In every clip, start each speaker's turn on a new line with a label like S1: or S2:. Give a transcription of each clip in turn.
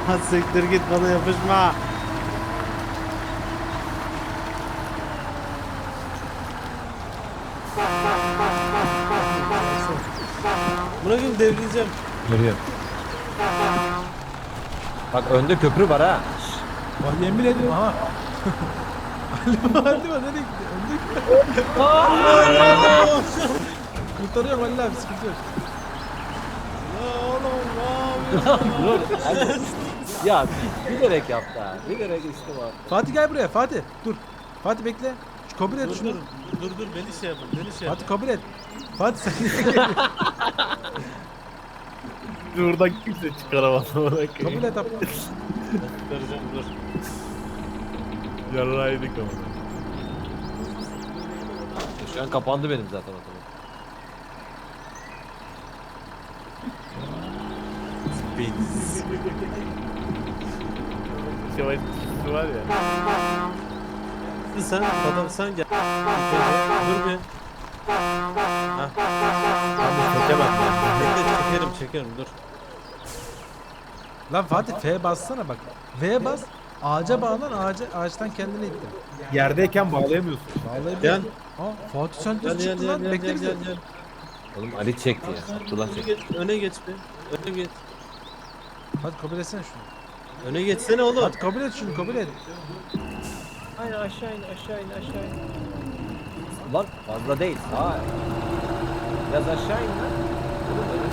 S1: Siktir git, bana yapışma. Bırakın, devrileceğim.
S2: Görüyorum. Bak önde köprü var ha.
S3: Bak yemin ediyorum ha. Ali nereye gitti? Önde kurtarıyorum Ali abi, sıkıntı yok.
S1: Ya oğlum, ne yapıyorsun?
S2: Dur. hadi. Ya bilerek yaptı ha. Bilerek işte var.
S3: Fatih gel buraya Fatih. Dur. Fatih bekle. Şu kabul et
S1: Dur
S3: şunu.
S1: dur beni şey yapın, beni şey yapın.
S3: Fatih kabul et. Fatih sen
S4: Buradan kimse çıkaramaz.
S3: kabul et abi.
S1: Çıkaracağım, dur.
S4: Yarraydık ama.
S2: Şu an kapandı benim zaten otomatik.
S1: Beyinsiz.
S4: Şevay tutuşu var ya.
S1: Sen adam, sen gel. Dur bir. Hah.
S4: Abi çekemem ben.
S1: Bekle, çekerim dur.
S3: Lan Fatih F bassana bak. V bas. Ağaca bağlan, ağaçtan kendini ittir.
S4: Yerdeyken bağlayamıyorsun.
S3: Bağlayabilir. Aa Fatih sen
S1: Gel
S3: düz
S1: gel
S3: çıktın
S1: gel
S3: lan.
S1: gel
S3: Bekle
S1: gel
S3: bizi.
S1: gel gel.
S2: Oğlum Ali çekti ya. Abdullah çekti.
S1: Öne geç bir. Öne geç.
S3: Hadi kabul etsene şunu.
S1: Öne geçsene oğlum.
S3: Hadi kabul et şunu, kabul et.
S2: Aynen aşağı in aşağı in aşağı in. Lan fazla değil. Sağa. Biraz aşağı in lan. Oğlum öyle.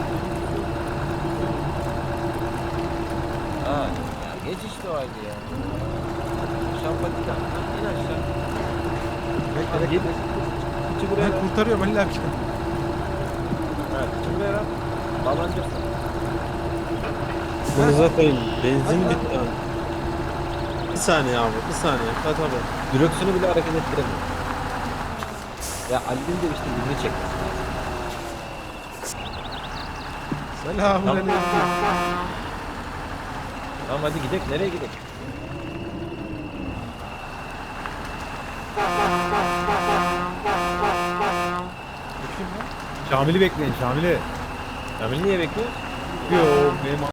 S2: Ha, ya geç işte o halde ya. Şampatika. İn aşağı.
S3: Bekle
S2: Git.
S3: bekle.
S2: Kıçı buraya ver.
S3: Ben kurtarıyorum Ali abi.
S2: Ha, kıçı buraya ver. Bağlanacaksın.
S1: Bunu zaten benzin bitti abi. Bir saniye abi, bir saniye. Hadi abi.
S2: Direksiyonu bile hareket ettiremiyor. Ya Ali'nin de işte birini çekmesi lazım.
S3: Selamünaleyküm.
S2: Tamam hadi gidelim. Nereye gidelim?
S3: Bakayım lan.
S4: Şamil'i bekleyin Şamil'i.
S2: Kamil niye bekliyor?
S4: Yo